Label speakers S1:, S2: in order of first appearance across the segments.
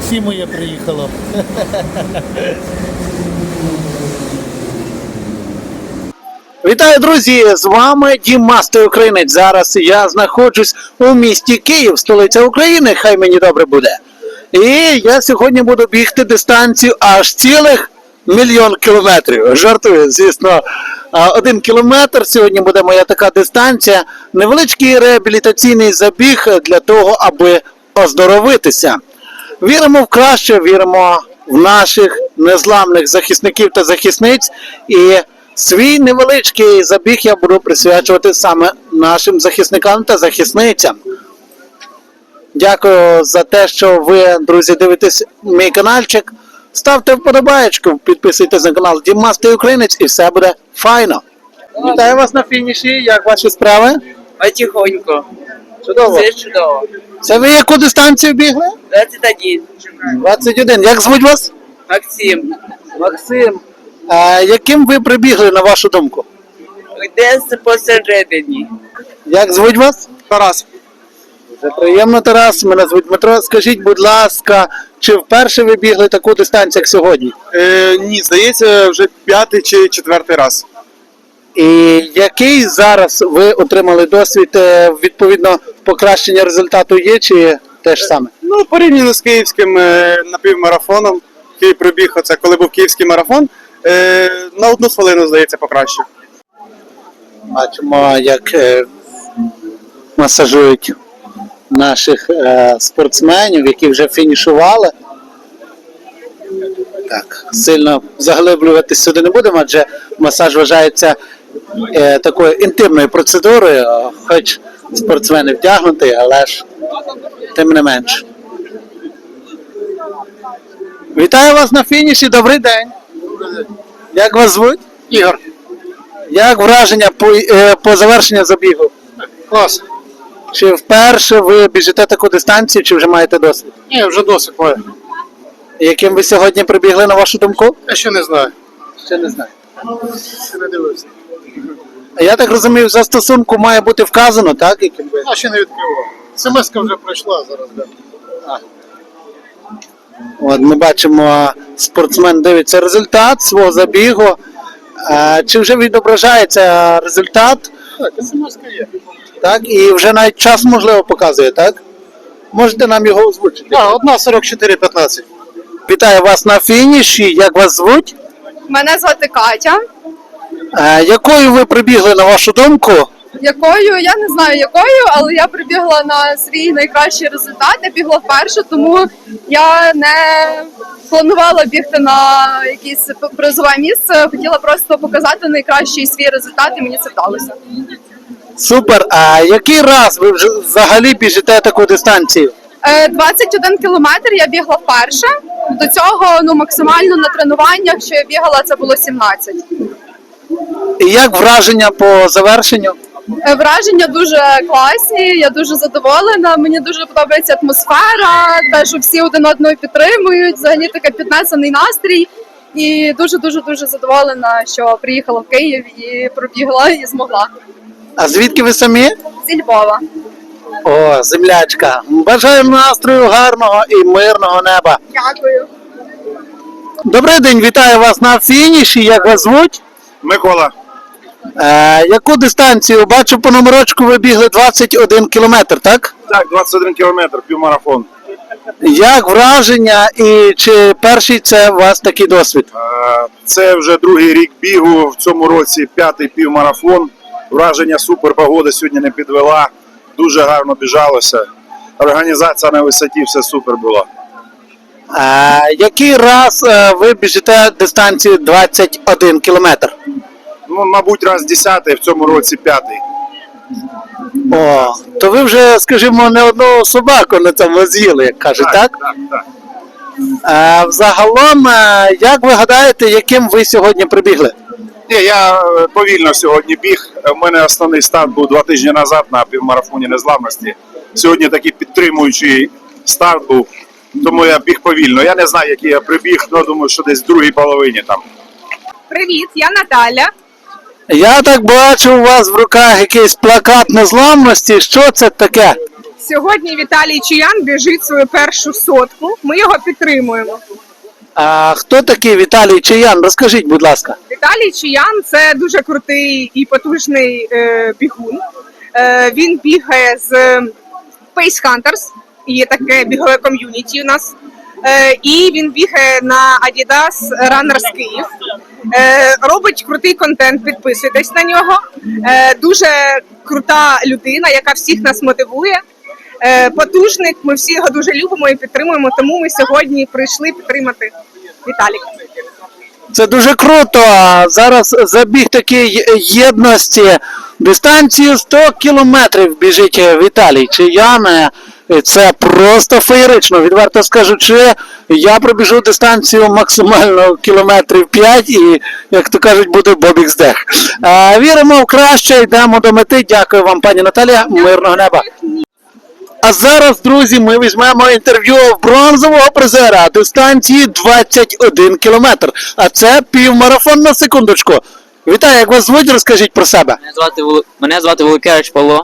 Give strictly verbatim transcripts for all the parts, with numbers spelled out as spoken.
S1: таксі моє приїхало. Вітаю, друзі! З вами Дім Мастер Українець. Зараз я знаходжусь у місті Київ, столиця України, хай мені добре буде. І я сьогодні буду бігти дистанцію аж цілих мільйон кілометрів. Жартую, звісно, один кілометр. Сьогодні буде моя така дистанція. Невеличкий реабілітаційний забіг для того, аби оздоровитися. Віримо в краще, віримо в наших незламних захисників та захисниць. І свій невеличкий забіг я буду присвячувати саме нашим захисникам та захисницям. Дякую за те, що ви, друзі, дивитесь мій каналчик. Ставте вподобаєчку, підписуйтесь на канал Дім Мастер Українець і все буде файно. Вітаю вас на фініші, як ваші справи?
S2: Потихоньку.
S1: Чудово.
S2: Все чудово.
S1: Це ви яку дистанцію бігли?
S2: двадцять один.
S1: двадцять один. Як звуть вас?
S2: Максим.
S1: Максим. А яким ви прибігли, на вашу думку?
S2: Десь посередині.
S1: Як звуть вас?
S3: Тарас.
S1: Дуже приємно, Тарас. Мене звуть Дмитро. Скажіть, будь ласка, чи вперше ви бігли таку дистанцію, як сьогодні?
S3: Е, ні, здається, вже п'ятий чи четвертий раз.
S1: І який зараз ви отримали досвід, е, відповідно, покращення результату є, чи те ж саме?
S3: Ну, порівняно з київським е, напівмарафоном, який пробіг, оце коли був київський марафон, е, на одну хвилину, здається, покращив.
S1: Бачимо, як е, масажують наших е, спортсменів, які вже фінішували. Так, сильно заглиблюватись сюди не будемо, адже масаж вважається е, такою інтимною процедурою, хоч спортсмени вдягнуті, але ж тим не менш. Вітаю вас на фініші, добрий день. Як вас звуть?
S3: Ігор.
S1: Як враження по, е, по завершенню забігу?
S3: Клас.
S1: Чи вперше ви біжите таку дистанцію, чи вже маєте досвід?
S3: Ні, вже досить маю.
S1: Яким ви сьогодні прибігли, на вашу думку?
S3: Я ще не знаю.
S1: Ще не знаю.
S3: Ще не дивився.
S1: Я так розумію, в застосунку має бути вказано, так? Яким ви?
S3: А ще не відкривав. Смс-ка вже пройшла зараз, да.
S1: От ми бачимо, спортсмен дивиться результат свого забігу. А, чи вже відображається результат?
S3: Так, смс-ка є.
S1: Так, і вже навіть час, можливо, показує, так? Можете нам його озвучити?
S3: Так, одна сорок чотири п'ятнадцять.
S1: Вітаю вас на фініші. Як вас звуть?
S4: Мене звати Катя.
S1: А, якою ви прибігли, на вашу думку?
S4: Якою, я не знаю якою, але я прибігла на свій найкращий результат. Я бігла вперше, тому я не планувала бігти на якесь призове місце. Хотіла просто показати найкращий свій результат, і мені це вдалося.
S1: Супер. А який раз ви вже взагалі біжите таку дистанцію?
S4: Е, двадцять один кілометр я бігла вперше. До цього ну, максимально на тренуваннях, що я бігала, це було сімнадцять.
S1: І як враження по завершенню?
S4: Е, Враження дуже класні, я дуже задоволена. Мені дуже подобається атмосфера, те, що всі один одного підтримують. Взагалі такий піднесений настрій. І дуже дуже дуже задоволена, що приїхала в Київ і пробігла і змогла.
S1: А звідки ви самі?
S4: Зі Львова.
S1: О, землячка. Бажаю настрою гарного і мирного неба.
S4: Дякую.
S1: Добрий день, вітаю вас на фініші. Як вас звуть?
S3: Микола.
S1: Е, яку дистанцію? Бачу, по номерочку ви бігли двадцять один кілометр, так?
S3: Так, двадцять один кілометр, півмарафон.
S1: Як враження і чи перший це у вас такий досвід?
S3: Це вже другий рік бігу, в цьому році п'ятий півмарафон. Враження супер, погода сьогодні не підвела, дуже гарно біжалося. Організація на висоті, все супер було.
S1: Е, який раз е, ви біжите дистанцію двадцять один кілометр?
S3: Ну, мабуть, раз десятий, в цьому році п'ятий.
S1: О, то ви вже, скажімо, не одну собаку на цьому з'їли, як кажуть, так?
S3: Так, так.
S1: Е, взагалом, е, як ви гадаєте, яким ви сьогодні прибігли?
S3: Ні, я е, повільно сьогодні біг. У мене основний старт був два тижні назад на півмарафоні незламності. Сьогодні такий підтримуючий старт був, тому я біг повільно. Я не знаю, який я прибіг, але думаю, що десь в другій половині там.
S4: Привіт, я Наталя.
S1: Я так бачу, у вас в руках якийсь плакат незламності. Що це таке?
S5: Сьогодні Віталій Чиян біжить свою першу сотку. Ми його підтримуємо.
S1: А хто такий Віталій Чиян? Розкажіть, будь ласка.
S5: Віталій Чиян це дуже крутий і потужний е, бігун. Е, він бігає з Pace Hunters, є таке бігове ком'юніті у нас. Е, і він бігає на Adidas Runners Київ. Е, робить крутий контент, підписуйтесь на нього. Е, дуже крута людина, яка всіх нас мотивує. Е, потужник, ми всі його дуже любимо і підтримуємо, тому ми сьогодні прийшли підтримати Віталіка.
S1: Це дуже круто. Зараз забіг такий єдності. Дистанцію сто кілометрів біжить Віталій Чиян. Це просто феєрично. Відверто скажучи, я пробіжу дистанцію максимально кілометрів п'ять і, як то кажуть, буде Бобік здех. Віримо в краще, йдемо до мети. Дякую вам, пані Наталія. Мирного неба. А зараз, друзі, ми візьмемо інтерв'ю в бронзового призера дистанції двадцять один кілометр. А це півмарафон на секундочку. Вітаю, як вас звуть, розкажіть про себе.
S6: Мене звати, Вол- Мене звати Волокевич Павло.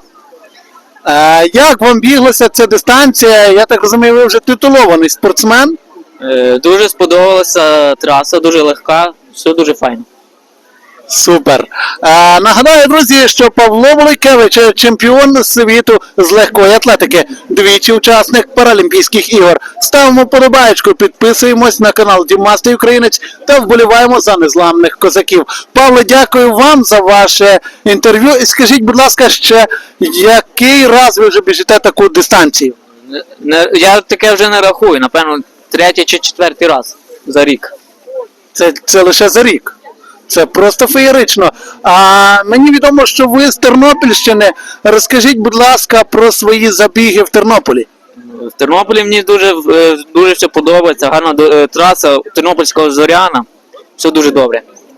S1: Е, як вам біглася ця дистанція? Я так розумію, ви вже титулований спортсмен.
S6: Е, Дуже сподобалася траса, дуже легка, все дуже файно.
S1: Супер. Е, нагадаю, друзі, що Павло Волокевич – чемпіон світу з легкої атлетики, двічі учасник Паралімпійських ігор. Ставимо подобаєчку, підписуємось на канал Дімастий Українець та вболіваємо за незламних козаків. Павло, дякую вам за ваше інтерв'ю. І скажіть, будь ласка, ще який раз ви вже біжите таку дистанцію?
S6: Не- не- Я таке вже не рахую, напевно, третій чи четвертий раз за рік.
S1: Це, це лише за рік. Це просто феєрично. А мені відомо, що ви з Тернопільщини. Розкажіть, будь ласка, про свої забіги в Тернополі.
S6: В Тернополі мені дуже, е, дуже все подобається, гарна до- е, траса Тернопільського Зоряна, все дуже добре.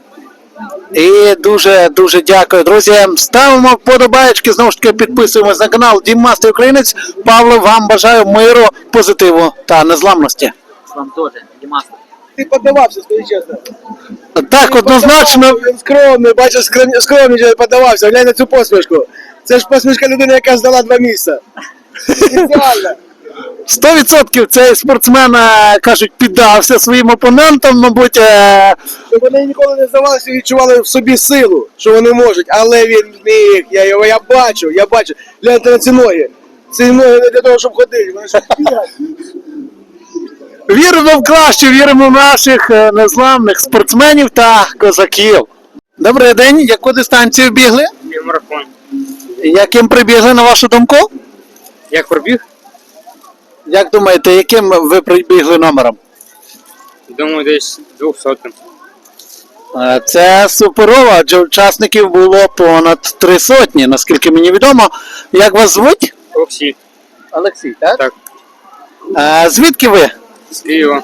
S1: І дуже дуже дякую, друзі. Ставимо вподобаєчки, знову ж таки підписуємось на канал Дімастий Українець. Павло, вам бажаю миру, позитиву та незламності.
S6: Вам теж, Дімастер.
S7: Ти подавався, скажи чесно.
S1: Так, однозначно.
S7: Він скромний, бачиш, скромний, скромний подавався. Глянь на цю посмішку. Це ж посмішка людини, яка здала два місця. Ідеально.
S1: сто відсотків цей спортсмен, е, кажуть, піддався своїм опонентам, мабуть. е,
S7: Щоб вони ніколи не здавалися і відчували в собі силу, що вони можуть. Але він міг. Я його я бачу, я бачу. Гляньте на ці ноги. Ці ноги не для того, щоб ходити. Вони щоб бігати.
S1: Віримо в краще, віримо в наших е, незламних спортсменів та козаків. Добрий день, яку дистанцію бігли?
S8: Півмарафон.
S1: Яким прибігли, на вашу думку?
S8: Як пробіг?
S1: Як думаєте, яким ви прибігли номером?
S8: Думаю, десь двохсотим.
S1: Е, Це суперово, адже учасників було понад три сотні, наскільки мені відомо. Як вас звуть?
S8: Олексій.
S1: Олексій, так?
S8: Так.
S1: Е, Звідки ви?
S8: З Києва.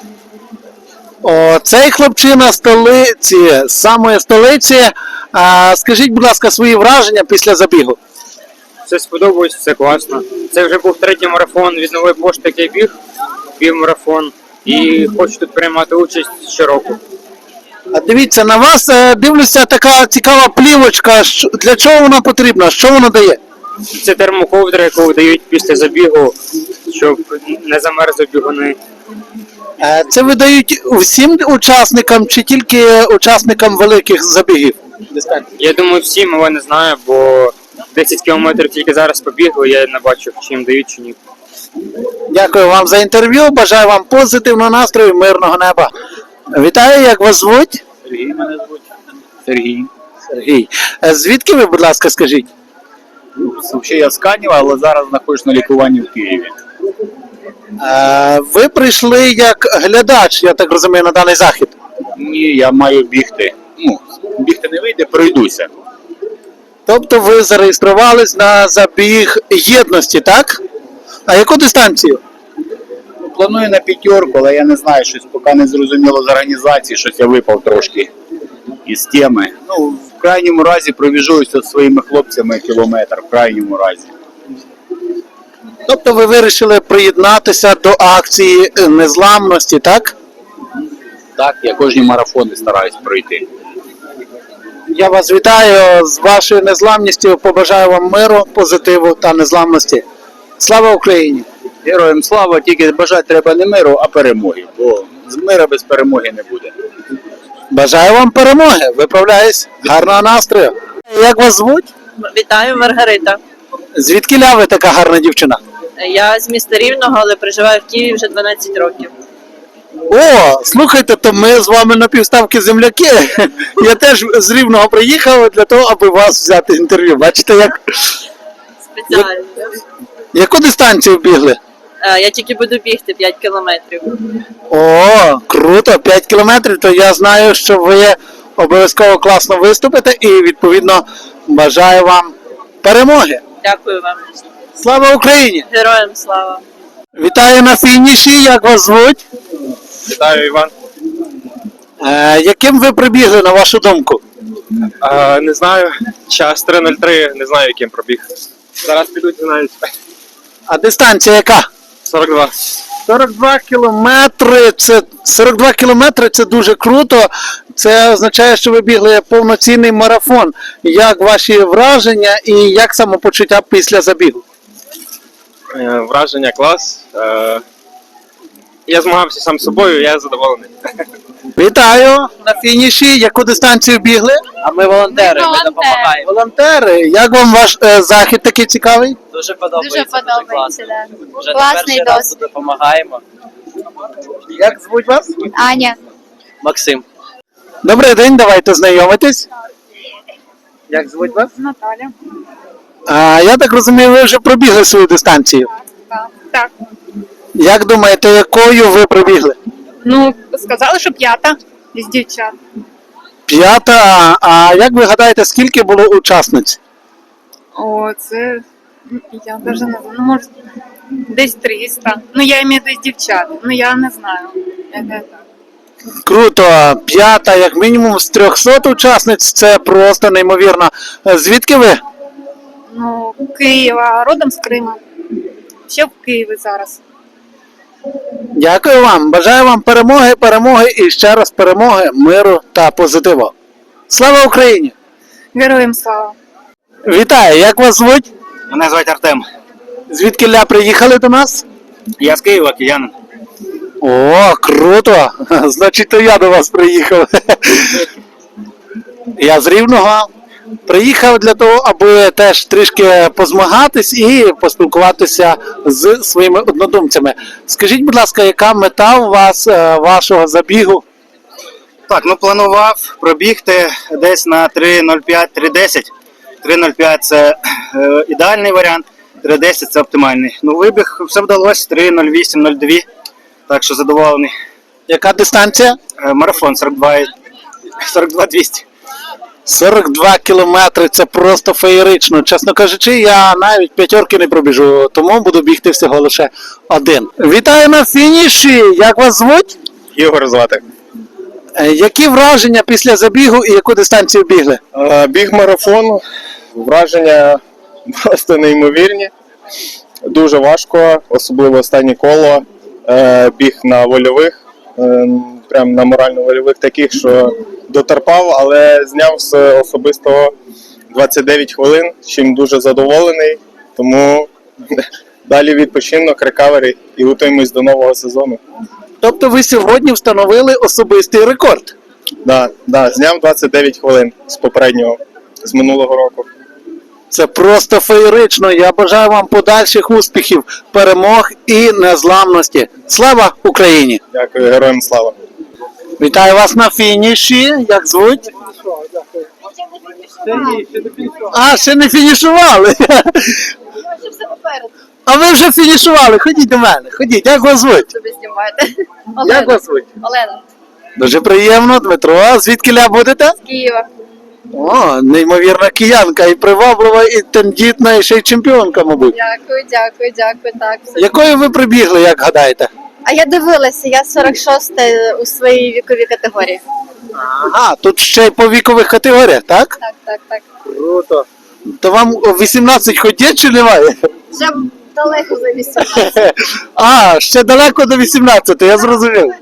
S1: О, цей хлопчина з столиці, з самої столиці. А, скажіть, будь ласка, свої враження після забігу.
S8: Все сподобалось, все класно. Це вже був третій марафон від нової пошти, який біг. Півмарафон. І хочу тут приймати участь щороку.
S1: А дивіться, на вас е, дивлюся така цікава плівочка. Що- Для чого вона потрібна? Що вона дає?
S8: Це термоковдра, яку дають після забігу, щоб не замерзли бігуни.
S1: Е, Це видають всім учасникам чи тільки учасникам великих забігів?
S8: Я думаю, всім, але не знаю, бо десять кілометрів тільки зараз побігли, я не бачив, чи їм дають, чи ні.
S1: Дякую вам за інтерв'ю. Бажаю вам позитивного настрою, мирного неба. Вітаю, як вас звуть?
S6: Сергій мене звуть. Сергій.
S1: Сергій. Е, Звідки ви, будь ласка, скажіть?
S9: Взагалі я з Канєва, але зараз знаходжусь на лікуванні в Києві.
S1: Е, Ви прийшли як глядач, я так розумію, на даний захід.
S9: Ні, я маю бігти. Ну, бігти не вийде, пройдуся.
S1: Тобто ви зареєструвались на забіг єдності, так? А яку дистанцію?
S9: Планую на п'ятерку, але я не знаю, щось поки не зрозуміло з організації, щось я випав трошки із теми. Ну, в крайньому разі пробіжуюся зі своїми хлопцями кілометр, в крайньому разі.
S1: Тобто ви вирішили приєднатися до акції незламності, так?
S9: Так, я кожні марафони стараюсь пройти.
S1: Я вас вітаю з вашою незламністю, побажаю вам миру, позитиву та незламності. Слава Україні!
S9: Героям слава, тільки бажати треба не миру, а перемоги. Бо з мира без перемоги не буде.
S1: Бажаю вам перемоги! Виправляюсь! Гарного настрою! Як вас звуть?
S10: Вітаю, Маргарита.
S1: Звідкіля ви така гарна дівчина?
S10: Я з міста Рівного, але проживаю в Києві вже дванадцять років.
S1: О, слухайте, то ми з вами на півставки земляки. Я теж з Рівного приїхав для того, аби вас взяти інтерв'ю. Бачите, як
S10: Спеціально.
S1: яку дистанцію бігли?
S10: Е, Я тільки буду бігти п'ять кілометрів.
S1: О, круто, п'ять кілометрів, то я знаю, що ви обов'язково класно виступите і відповідно бажаю вам перемоги.
S10: Дякую вам.
S1: Слава Україні!
S10: Героям слава.
S1: Вітаю на фініші, як вас звуть?
S8: Вітаю, Іван.
S1: Е, яким ви прибігли, на вашу думку?
S8: А, не знаю, час три нуль три, не знаю, яким пробіг. Зараз підуть, знають.
S1: А дистанція яка?
S8: сорок два.
S1: сорок два кілометри, це сорок два кілометри це дуже круто. Це означає, що ви бігли повноцінний марафон. Як ваші враження і як самопочуття після забігу?
S8: Е, Враження клас. Е, Я змагався сам з собою, я задоволений.
S1: Вітаю на фініші. Яку дистанцію бігли?
S6: А ми волонтери, ми допомагаємо.
S1: Волонтери, як вам ваш е, захід такий цікавий?
S6: Дуже подобається.
S4: Дуже подобається, да.
S6: Вже не
S4: Класний
S6: перший раз
S4: досвід.
S6: допомагаємо.
S1: Як звуть вас?
S4: Аня.
S6: Максим.
S1: Добрий день, давайте знайомитись. Як звуть вас?
S5: Наталя.
S1: А, я так розумію, ви вже пробігли свою дистанцію.
S5: Так.
S1: Як думаєте, якою ви пробігли?
S5: Ну, сказали, що п'ята з дівчат.
S1: П'ята. А як ви гадаєте, скільки було учасниць?
S5: О, це я навіть не знаю. Ну, може, десь триста. Ну, я маю десь дівчат. Ну, я не знаю. Це так.
S1: Круто, п'ята, як мінімум з трьохсот учасниць, це просто неймовірно. Е, Звідки ви?
S5: Ну, Києва, родом з Крима. Ще в Києві зараз.
S1: Дякую вам. Бажаю вам перемоги, перемоги і ще раз перемоги, миру та позитиву. Слава Україні!
S5: Героям слава!
S1: Вітаю, як вас звуть?
S9: Мене звати Артем.
S1: Звідкіля приїхали до нас?
S9: Я з Києва, киянин.
S1: О, круто! Значить, то я до вас приїхав. Я з Рівного. Приїхав для того, аби теж трішки позмагатись і поспілкуватися з своїми однодумцями. Скажіть, будь ласка, яка мета у вас, е, вашого забігу?
S9: Так, ну планував пробігти десь на три нуль п'ять три десять. три нуль п'ять це е, ідеальний варіант, три десять це оптимальний. Ну, вибіг, все вдалося, три нуль вісім нуль два, так що задоволений.
S1: Яка дистанція?
S9: Е, марафон сорок два сорок два двісті.
S1: сорок два кілометри, це просто феєрично. Чесно кажучи, я навіть п'ятерки не пробіжу, тому буду бігти всього лише один. Вітаю на фініші! Як вас звуть?
S3: Ігор звати.
S1: Е, Які враження після забігу і яку дистанцію бігли?
S3: Е, Біг марафон, враження просто неймовірні. Дуже важко, особливо останнє коло. Е, Біг на вольових, е, прям на морально-вольових таких, що дотерпав, але зняв з особистого двадцять дев'ять хвилин, чим дуже задоволений. Тому далі відпочинок, рекавері і готуємось до нового сезону.
S1: Тобто ви сьогодні встановили особистий рекорд.
S3: Да, да, зняв двадцять дев'ять хвилин з попереднього, з минулого року.
S1: Це просто феєрично. Я бажаю вам подальших успіхів, перемог і незламності. Слава Україні!
S3: Дякую, героям слава.
S1: Вітаю вас на фініші. Як звуть? А, ще не фінішували. А ви вже фінішували. Ходіть до мене. Ходіть. Як вас звуть?
S4: Ви знімаєте.
S1: Як вас звуть?
S4: Олена.
S1: Дуже приємно, Дмитро. Звідкіля будете?
S4: З Києва.
S1: О, неймовірна киянка, і приваблива, і тендітна, і ще й чемпіонка, мабуть.
S4: Дякую, дякую, дякую. Так, все.
S1: Якою ви прибігли, як гадаєте?
S4: А я дивилася, я сорок шоста у своїй віковій категорії.
S1: Ага, тут ще й по вікових категоріях, так?
S4: Так, так, так.
S1: Круто. То вам вісімнадцять ходять чи немає?
S4: Вже далеко за вісімнадцять.
S1: А, ще далеко до вісімнадцяти, я зрозумів.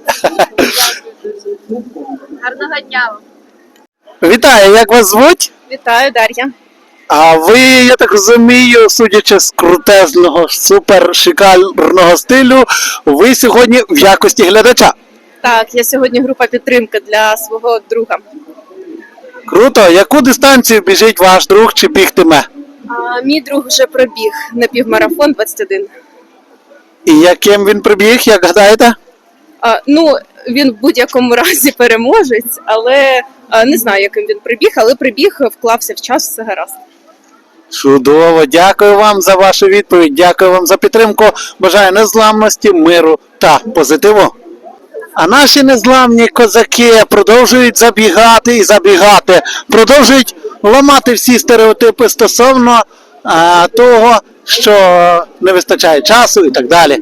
S4: Гарного дня вам.
S1: Вітаю, як вас звуть?
S5: Вітаю, Дар'я.
S1: А ви, я так розумію, судячи з крутезного, супер шикарного стилю, ви сьогодні в якості глядача.
S10: Так, я сьогодні група підтримки для свого друга.
S1: Круто. Яку дистанцію біжить ваш друг чи бігтиме?
S10: А, мій друг вже пробіг на півмарафон двадцять один.
S1: І яким він прибіг, як гадаєте?
S10: А, ну, він в будь-якому разі переможець, але а, не знаю, яким він прибіг, але прибіг, вклався в час, все гаразд.
S1: Чудово, дякую вам за вашу відповідь, дякую вам за підтримку. Бажаю незламності, миру та позитиву. А наші незламні козаки продовжують забігати і забігати, продовжують ламати всі стереотипи стосовно а, того, що не вистачає часу і так далі.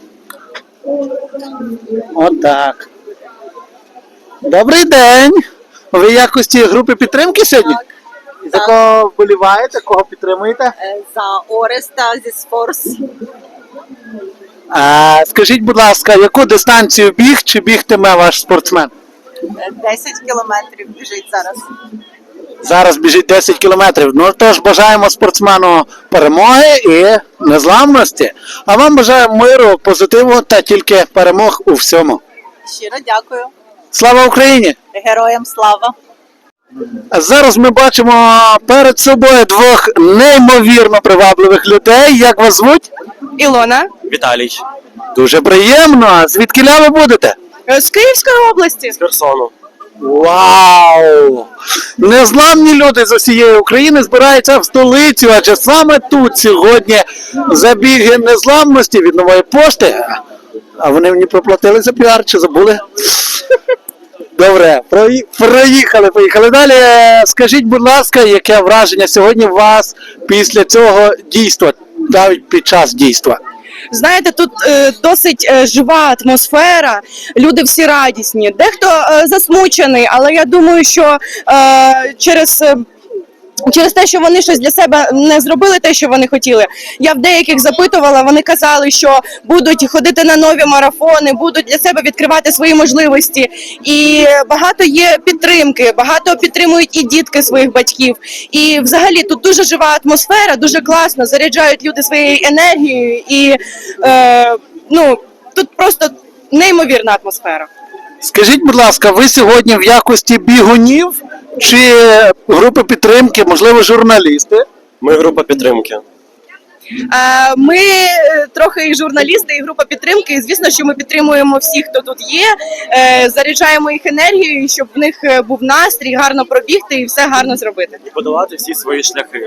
S1: Отак. Добрий день! Ви в якості групи підтримки сьогодні?
S11: Так.
S1: За кого вболіваєте, кого підтримуєте?
S11: За Ореста зі Сфорс.
S1: А, скажіть, будь ласка, яку дистанцію біг чи бігтиме ваш спортсмен?
S11: десять кілометрів біжить зараз.
S1: Зараз біжить десять кілометрів. Ну тож бажаємо спортсмену перемоги і незламності. А вам бажаю миру, позитиву та тільки перемог у всьому.
S11: Щиро дякую.
S1: Слава Україні!
S11: Героям слава.
S1: А зараз ми бачимо перед собою двох неймовірно привабливих людей. Як вас звуть?
S5: Ілона.
S6: Віталій.
S1: Дуже приємно. Звідкіля ви будете?
S5: З Київської області.
S6: З Херсону.
S1: Вау! Незламні люди з усієї України збираються в столицю, адже саме тут сьогодні забіги незламності від нової пошти. А вони мені проплатили за піар, чи забули? Добре, прої- проїхали, поїхали далі. Скажіть, будь ласка, яке враження сьогодні у вас після цього дійства, навіть під час дійства?
S5: Знаєте, тут е, досить е, жива атмосфера, люди всі радісні. Дехто е, засмучений, але я думаю, що е, через. Е, Через те, що вони щось для себе не зробили те, що вони хотіли. Я в деяких запитувала, вони казали, що будуть ходити на нові марафони, будуть для себе відкривати свої можливості. І багато є підтримки, багато підтримують і дітки своїх батьків. І взагалі тут дуже жива атмосфера, дуже класно, заряджають люди своєю енергією. І е, ну, тут просто неймовірна атмосфера.
S1: Скажіть, будь ласка, ви сьогодні в якості бігунів чи групи підтримки, можливо, журналісти?
S12: Ми група підтримки.
S5: Е, Ми е, трохи і журналісти, і група підтримки. І звісно, що ми підтримуємо всіх, хто тут є, е, заряджаємо їх енергією, щоб в них е, був настрій, гарно пробігти і все гарно зробити.
S12: І подолати всі свої шляхи.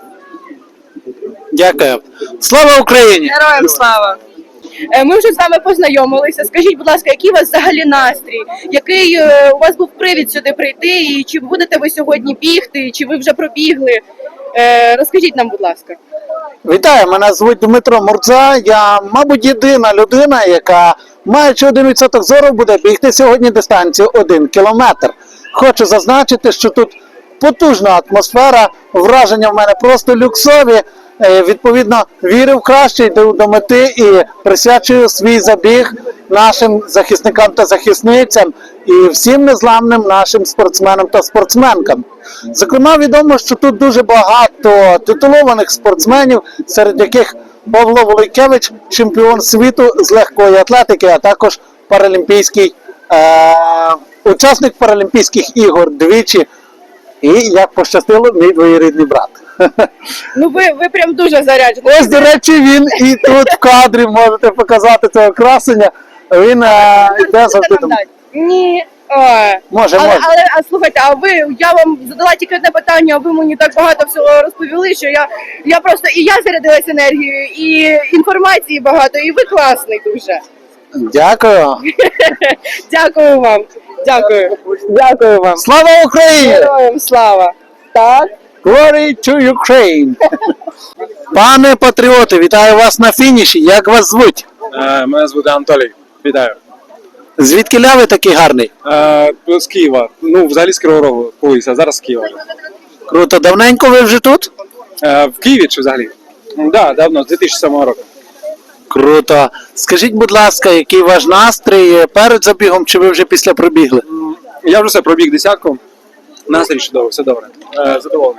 S1: Дякую. Слава Україні!
S5: Героям слава! Е, Ми вже з вами познайомилися. Скажіть, будь ласка, який у вас взагалі настрій? Який е, у вас був привід сюди прийти? І чи будете ви сьогодні бігти? Чи ви вже пробігли? Е, Розкажіть нам, будь ласка.
S1: Вітаю, мене звуть Дмитро Мурза. Я, мабуть, єдина людина, яка, маючи один відсоток зору, буде бігти сьогодні дистанцію один кілометр. Хочу зазначити, що тут потужна атмосфера, враження в мене просто люксові. Е, Відповідно, вірю в краще, йду до мети і присвячую свій забіг нашим захисникам та захисницям і всім незламним нашим спортсменам та спортсменкам. Зокрема, відомо, що тут дуже багато титулованих спортсменів, серед яких Павло Волойкевич, чемпіон світу з легкої атлетики, а також паралімпійський е- учасник Паралімпійських ігор двічі. І, як пощастило, мій двоюрідний брат.
S5: Ну ви, ви прям дуже заряджені.
S1: Ось, до речі, він і тут в кадрі можете показати цього красення. Він е, йде завжди там.
S5: Ні. О.
S1: Може,
S5: але,
S1: може.
S5: але а слухайте, а ви я вам задала тільки одне питання, а ви мені так багато всього розповіли, що я, я просто і я зарядилась енергією, і інформації багато, і ви класний дуже.
S1: Дякую.
S5: Дякую вам. Дякую. Дякую вам.
S1: Слава Україні!
S5: Героям слава. Так.
S1: Glory to Ukraine! Пане патріоти, вітаю вас на фініші. Як вас звуть?
S13: Е, Мене звати Анатолій. Вітаю.
S1: Звідки ви такий гарний?
S13: Е, З Києва. Ну, взагалі з Кривого Рогу колись, а зараз з Києва.
S1: Круто. Давненько ви вже тут?
S13: Е, В Києві чи взагалі? Так, да, давно, з дві тисячі сьомого року.
S1: Круто. Скажіть, будь ласка, який ваш настрій перед забігом, чи ви вже після пробігли?
S13: Я вже все пробіг десятку. Настрій чудовий, все добре. Е, Задоволений.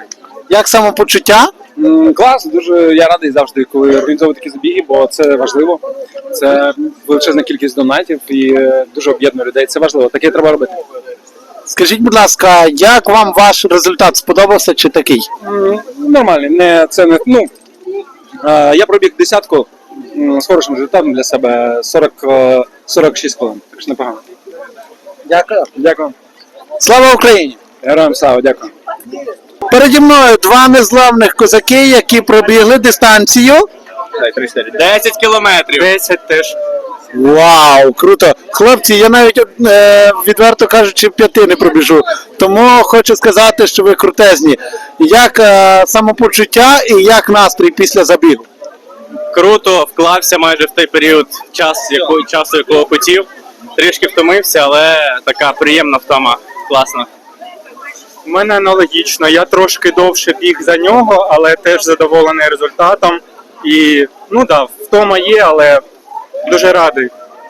S1: Як самопочуття?
S13: М, Клас, дуже я радий завжди, коли організовую такі забіги, бо це важливо. Це величезна кількість донатів і е, дуже об'єднує людей. Це важливо, таке треба робити.
S1: Скажіть, будь ласка, як вам ваш результат сподобався чи такий?
S13: М, Нормальний, не це не ну. е, Я пробіг десятку м, з хорошим результатом для себе сорок, е, сорок шість хвилин. Так що непогано.
S1: Дякую.
S13: Дякую.
S1: Слава Україні!
S13: Героям слава, дякую.
S1: Переді мною два незламних козаки, які пробігли дистанцію.
S12: десять кілометрів. десять теж.
S1: Вау, круто! Хлопці, я навіть е, відверто кажучи, п'яти не пробіжу. Тому хочу сказати, що ви крутезні. Як е, самопочуття і як настрій після забігу?
S12: Круто, вклався майже в той період час, яко, часу, якого хотів. Трішки втомився, але така приємна втома. Класно.
S8: У мене аналогічно. Я трошки довше біг за нього, але теж задоволений результатом. І ну да, втома є, але дуже радий.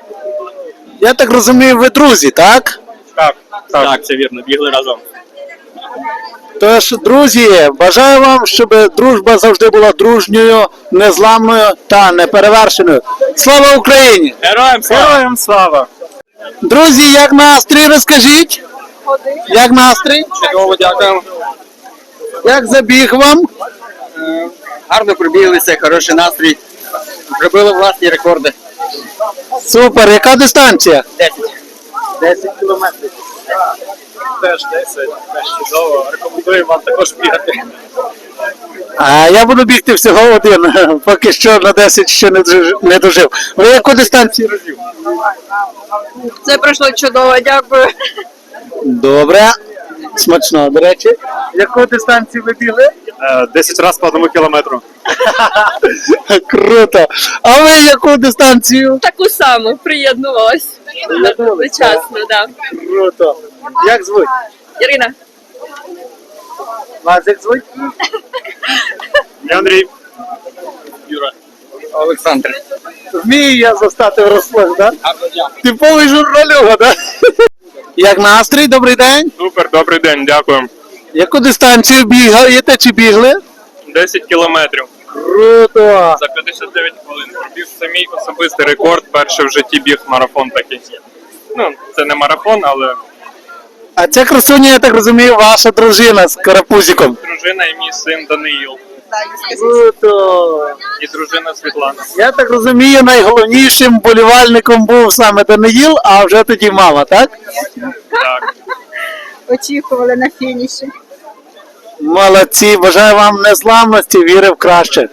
S1: Я так розумію, ви друзі, так?
S8: Так, так.
S12: Так, це вірно, бігли разом.
S1: Тож, друзі, бажаю вам, щоб дружба завжди була дружньою, незламною та неперевершеною. Слава Україні!
S12: Героям слава!
S8: Героям слава!
S1: Друзі, як настрій, розкажіть? Як настрій?
S8: Чудово, дякую.
S1: Як забіг вам?
S6: Гарно пробіглися, хороший настрій. Зробили власні рекорди.
S1: Супер, яка дистанція?
S6: десять.
S1: десять кілометрів.
S12: Теж десять, теж чудово. Рекомендую вам також бігати.
S1: А я буду бігти всього один, поки що на десять ще не дожив. Не дожив. Ви яку дистанцію розбіг?
S4: Це пройшло чудово, дякую.
S1: Добре. Смачно, до речі. Яку дистанцію ви бігли?
S12: десять разів по одному кілометру.
S1: Круто. А ви яку дистанцію?
S10: Таку саму приєднувалась. Одночасно, да.
S1: Круто. Як звуть?
S10: Ірина.
S1: Вас як звуть?
S12: Я Андрій.
S6: Олександр.
S1: Вмію я застати врасплох, так? Типовий журналюга, так? Як настрій? Добрий день.
S12: Супер, добрий день, дякую.
S1: Яку дистанцію бігаєте чи бігли?
S12: десять кілометрів.
S1: Круто.
S12: За п'ятдесят дев'ять хвилин пробіг. Це мій особистий рекорд. Перший в житті біг марафон такий. Ну, це не марафон, але
S1: А ця красуня, я так розумію, ваша дружина з карапузиком.
S12: дружина і мій син Даниїл.
S1: Круто.
S12: І дружина Світлана.
S1: Я так розумію, найголовнішим болівальником був саме Даниїл, а вже тоді мама, так?
S12: Так.
S11: Очікували на фініші.
S1: Молодці, бажаю вам незламності, віри в краще.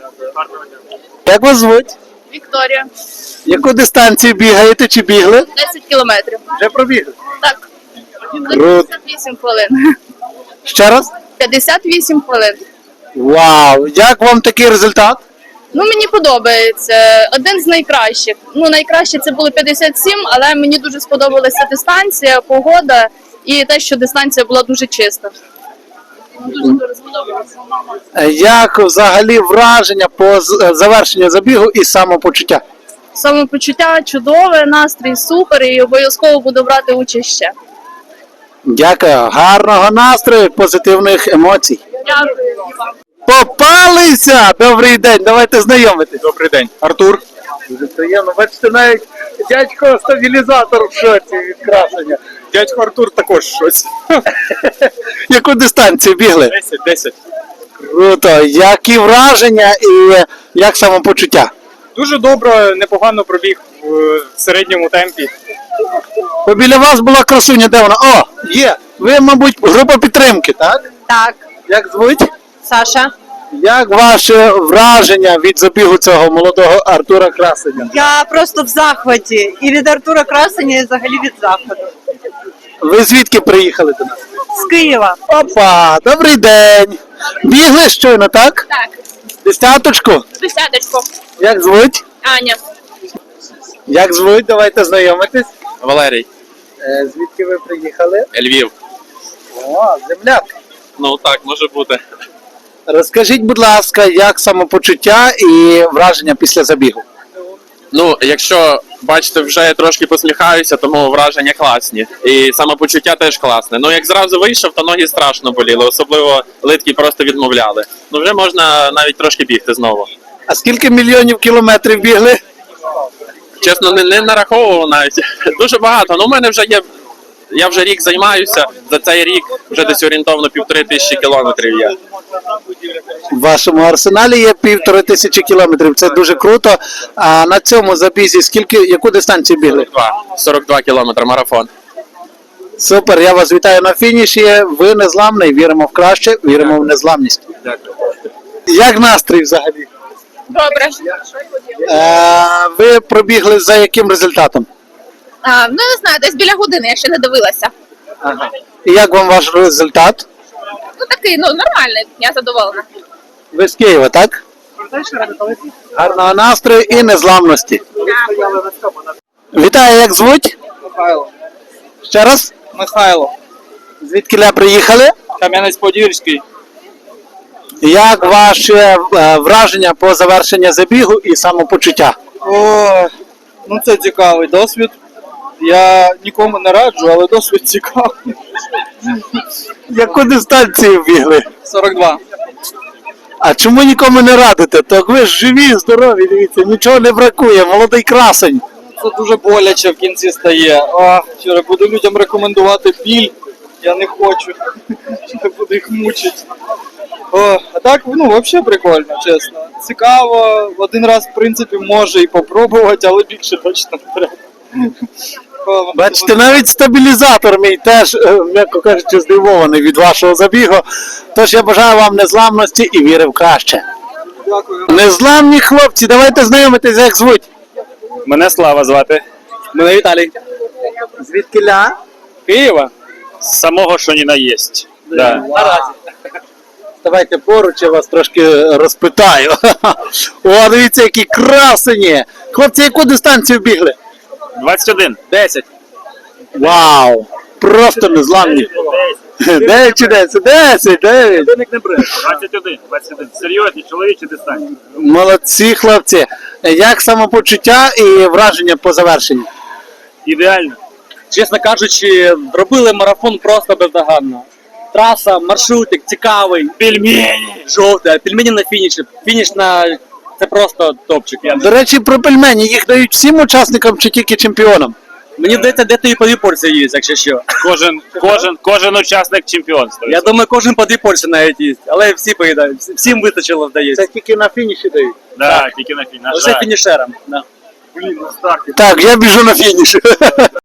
S1: Як вас звуть?
S4: Вікторія.
S1: Яку дистанцію бігаєте чи бігли?
S4: десять кілометрів.
S1: Вже пробігли.
S4: Так.
S1: Круто.
S4: п'ятдесят вісім хвилин.
S1: Ще раз?
S4: п'ятдесят вісім хвилин.
S1: Вау! Як вам такий результат?
S4: Ну, мені подобається. Один з найкращих. Ну, найкраще це було п'ятдесят сім, але мені дуже сподобалася дистанція, погода і те, що дистанція була дуже чиста. Дуже дуже сподобалося.
S1: Як взагалі враження по з- завершенню забігу і самопочуття?
S4: Самопочуття чудове, настрій супер і обов'язково буду брати участь ще.
S1: Дякую, гарного настрою, позитивних емоцій.
S4: Дякую вам.
S1: Попалися! Добрий день, давайте знайомитись.
S12: Добрий день.
S1: Артур. Дуже приємно. Бачите, навіть дядько стабілізатор в шоці від красення.
S12: Дядько Артур також щось.
S1: Яку дистанцію бігли?
S12: десять, десять.
S1: Круто. Які враження і як самопочуття?
S8: Дуже добре, непогано пробіг в середньому темпі.
S1: Бо біля вас була красуня, де вона? О, є. Ви, мабуть, група підтримки, так?
S11: Так,
S1: Як звуть?
S11: Саша.
S1: Як ваше враження від забігу цього молодого Артура Красеня?
S11: Я просто в захваті. І від Артура Красеня, і взагалі від заходу.
S1: Ви звідки приїхали до нас?
S11: З Києва.
S1: Опа, добрий день. Бігли щойно, так?
S4: Так,
S1: Десяточку.
S4: десяточку.
S1: Як звуть?
S4: Аня.
S1: Як звуть? Давайте знайомитись.
S12: Валерій.
S1: Е, звідки ви приїхали?
S12: Львів.
S1: О, земляк.
S12: Ну так, може бути.
S1: Розкажіть, будь ласка, як самопочуття і враження після забігу?
S12: Ну, якщо бачите, вже я трошки посміхаюся, тому враження класні. І самопочуття теж класне. Ну, як зразу вийшов, то ноги страшно боліли, особливо литки просто відмовляли. Ну, вже можна навіть трошки бігти знову.
S1: А скільки мільйонів кілометрів бігли?
S12: Чесно, не, не нараховував навіть. Дуже багато. Ну, у мене вже є. Я вже рік займаюся. За цей рік вже десь орієнтовно півтори тисячі кілометрів є.
S1: В вашому арсеналі є півтори тисячі кілометрів. Це дуже круто. А на цьому забізі скільки, яку дистанцію бігли?
S12: сорок два. сорок два кілометри марафон.
S1: Супер, я вас вітаю на фініші. Ви незламний, віримо в краще, віримо в незламність.
S12: Дякую.
S1: Як настрій взагалі?
S4: Добре.
S1: Е, ви пробігли за яким результатом?
S4: А, ну, не знаю, десь біля години, я ще не дивилася.
S1: Ага. І як вам ваш результат?
S4: Ну, такий, ну, нормальний, я задоволена.
S1: Ви з Києва, так? Гарного настрою і незламності. Вітаю, як звуть?
S8: Михайло.
S1: Ще раз?
S8: Михайло.
S1: Звідкіля приїхали?
S8: Кам'янець-Подільський.
S1: Як ваше е, враження по завершенню забігу і самопочуття?
S8: О, ну це цікавий досвід. Я нікому не раджу, але досвід цікавий.
S1: Яку дистанцію бігли?
S8: сорок два.
S1: А чому нікому не радите? Так ви ж живі, здорові, дивіться, нічого не бракує, молодий красень.
S8: Це дуже боляче в кінці стає. А, вчора буду людям рекомендувати біль. Я не хочу. Я буду їх мучити. О, а так, ну, взагалі прикольно, чесно. Цікаво. Один раз, в принципі, може і попробувати, але більше точно не треба. О,
S1: Бачите, навіть стабілізатор мій теж, е, м'яко кажучи, здивований від вашого забігу. Тож я бажаю вам незламності і віри в краще.
S8: Дякую.
S1: Незламні хлопці, давайте знайомитись, як звуть.
S12: Мене Слава звати.
S8: Мене Віталій.
S1: Звідкіля?
S12: Києва? З самого, що ні на єсть. Да.
S1: Наразі. Давайте поруч, я вас трошки розпитаю. О, дивіться, які красені! Хлопці, яку дистанцію бігли?
S12: двадцять один.
S8: десять.
S1: Вау! Просто незламні. дев'ять чи десять? десять, дев'ять.
S12: двадцять один. двадцять один. Серйозні чоловічі дистанції.
S1: Молодці, хлопці. Як самопочуття і враження по завершенню?
S12: Ідеально.
S8: Чесно кажучи, робили марафон просто бездоганно. Траса, маршрутик цікавий.
S12: Пельмені.
S8: Жовте, а пельмені на фініші. Фініш на... це просто топчик. Я...
S1: До речі, про пельмені їх дають всім учасникам чи тільки чемпіонам?
S8: Мені здається, де то і по дві порції є, якщо що.
S12: Кожен, кожен, кожен учасник чемпіонства.
S8: Я думаю, кожен по дві порції навіть їсть, але всі поїдають, всі- всім вистачило, здається.
S1: Це тільки на фініші дають.
S12: Да, тільки на фінал.
S8: Лише фінішерам. Да.
S1: Так, я біжу на фініш.